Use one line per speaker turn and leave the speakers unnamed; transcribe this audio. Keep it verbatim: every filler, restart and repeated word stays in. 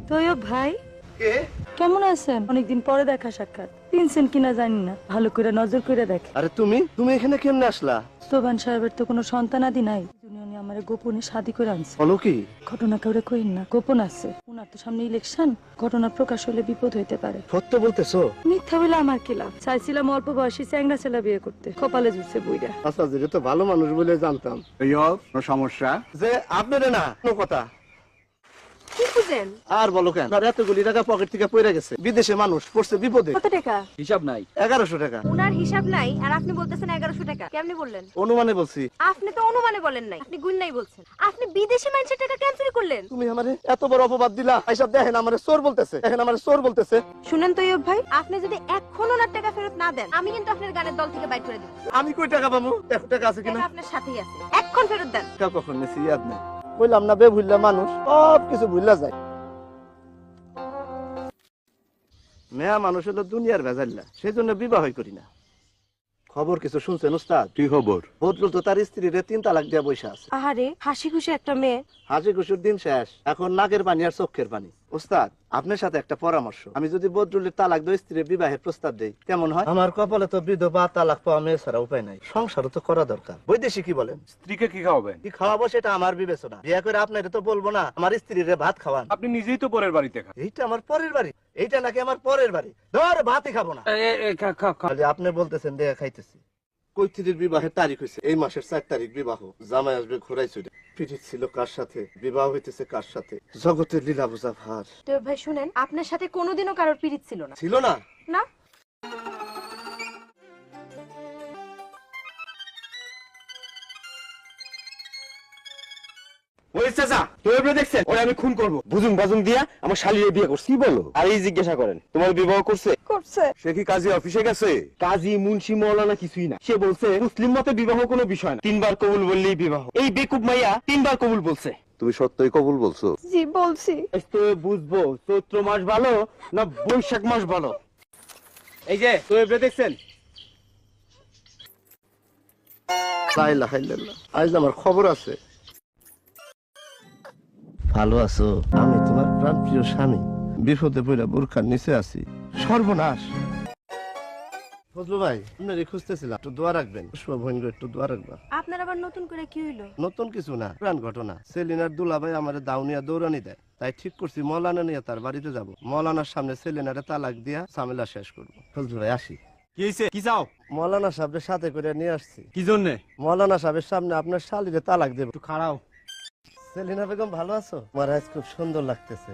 তৈয়ব ভাই
কে?
কেমন আছেন? অনেকদিন পরে দেখা সাক্ষাৎ। চিনছেন কিনা জানি না, ভালো করে নজর করে দেখে।
আরে তুমি তুমি এখানে কেমনে আসলা?
সোবান সাহেবের তো কোনো সন্তানাদি নাই, উনি আমার গোপনে শাদি করে আনছে।
বলো কি?
ঘটনা কাউরে কইন না, গোপন আছে। উনার তো সামনে ইলেকশন, ঘটনা প্রকাশ হলে বিপদ হইতে পারে।
সত্য বলতেছো?
মিথ্যা বলে আমার কি লাভ? চাইছিলাম অল্প বয়সী চ্যাংড়া ছেলে বিয়ে করতে, কপালে জুটছে বুইড়া।
আচ্ছা, যেটা তো ভালো মানুষ বলে জানতাম।
কোনো সমস্যা?
যে আপনারে না কোনো কথা
কি বুঝেন?
আর বলো কেন? আর এতগুলি টাকা পকেট থেকে পড়ে গেছে, বিদেশে মানুষ পড়ছে বিপদে।
কত টাকা?
হিসাব নাই।
এগারোশো টাকা।
উনার হিসাব নাই আর আপনি বলতেছেন এগারোশো টাকা। কেমনে বললেন?
অনুমানে বলছি।
আপনি তো অনুমানে বলেন নাই, আপনি গুণ নাই বলছেন। আপনি বিদেশি মানুষের টাকা কেন চুরি করলেন?
তুমি আমারে এত বড় অপবাদ দিলা। এইসব দেখেন আমারে চোর বলতেছে, দেখেন আমারে চোর বলতেছে।
শুনেন তৈয়ব ভাই, আপনি যদি এখন ওনার টাকা ফেরত না দেন, আমি কিন্তু আপনার গানের দল থেকে বাইর করে দেব।
আমি কই টাকা পাবো? এক টাকা আছে কিনা?
টাকা আপনার সাথেই আছে, এখন ফেরত দেন।
টাকা কখন নিছি ইয়াদ নাই। বললাম না বে ভুললা মানুষ সব কিছু ভুললা যায়। মেয়া মানুষ হলো দুনিয়ার ভেজাল্লা, সেই জন্য বিবাহই করি না। খবর কিছু শুনছেন উস্তাদ?
কি খবর?
বদরুল তো তার স্ত্রীরে তিন তালাক দিয়া বসে আছে।
আহারে, হাসি খুশি একটা মেয়ে।
হাসি খুশির দিন শেষ, এখন নাকের পানি আর চোখের পানি। উস্তাদ, আপনার সাথে একটা পরামর্শ। আমি যদি বদরুলের তালাক দিয়ে স্ত্রীর বিবাহের প্রস্তাব দেই কেমন হয়? আমার কপালে তো বিধবা তালাক পাওয়া মেয়ে ছাড়া উপায় নাই, সংসারও তো করা দরকার। বৈদেশিক কি বলেন?
স্ত্রীকে কি খাওয়াবেন?
কি খাওয়াবো সেটা আমার বিবেচনা। বিয়ে করে আপনার তো বলবো না আমার স্ত্রীরে ভাত খাওয়ান।
আপনি নিজেই তো পরের বাড়িতে খান।
এইটা আমার পরের বাড়ি, এইটা নাকি আমার পরের বাড়ি? ধর ভাতই খাবো না। খালি আপনি বলতেছেন দেয়া খাইতেছি। কৈথিরির বিবাহের তারিখ হয়েছে এই মাসের চার তারিখ বিবাহ। জামাই আসবে ঘোরাই চড়ে। পিঠিত ছিল কার সাথে, বিবাহ হইতেছে কার সাথে? জগতের লীলা বোঝা ভার।
তৈয়ব ভাই শুনেন, আপনার সাথে কোনোদিনও কারোর পিরিত ছিল না।
ছিল না?
না।
ওই চাচা, তোমরা দেখছেন ওরে আমি খুন করব। বুজুং বাজুং দিয়া আমার শালীর বিয়ে করছি। কি বলো? আর এই জিজ্ঞাসা করেন, তোমার বিবাহ করছে?
করছে।
সে কি কাজী অফিসে গেছে? কাজী মুন্সি মৌলানা কিছুই না। সে বলছে মুসলিম মতে বিবাহ কোনো বিষয় না, তিনবার কবুল বললেই বিবাহ। এই বেকুব মাইয়া তিনবার কবুল বলছে।
তুমি সত্যই কবুল বলছো?
জি বলছি।
তো বুঝবো চৈত্র মাস ভালো না বৈশাখ মাস ভালো। এই যে তোমরা দেখছেন,
লা ইলাহা ইল্লাল্লাহ। আজ আমার খবর আছে। ভালো আছো? আমি তোমার প্রাণ প্রিয় স্বামী বিপদে পড়ে বোরখার নিচে আছি। সর্বনাশ। ফজলু ভাই, আপনার খুঁজতেছিলাম, একটু দোয়া রাখবেন। শুভভঙ্গ একটু দোয়া রাখবা।
আপনার আবার নতুন করে কি হইলো?
নতুন কিছু না, প্রাণ ঘটনা। সেলিনার দুলাভাই আমার দাউনিয়া দৌড়ানি দেয়, তাই ঠিক করছি মৌলানা নিয়ে তার বাড়িতে যাব। মৌলানার সামনে সেলিনারে তালাক দিয়া ঝামেলা শেষ করবো। ফজলু ভাই আসি।
কি হইছে? কি চাও?
মৌলানা সাহেবের সাথে করে নিয়ে আসছি।
কি জন্য?
মৌলানা সাহেবের সামনে আপনার শালীরে তালাক দেব।
একটু খাড়াও।
সেলিনা বেগম ভালো আছো? মহারাজ খুব সুন্দর লাগতেছে।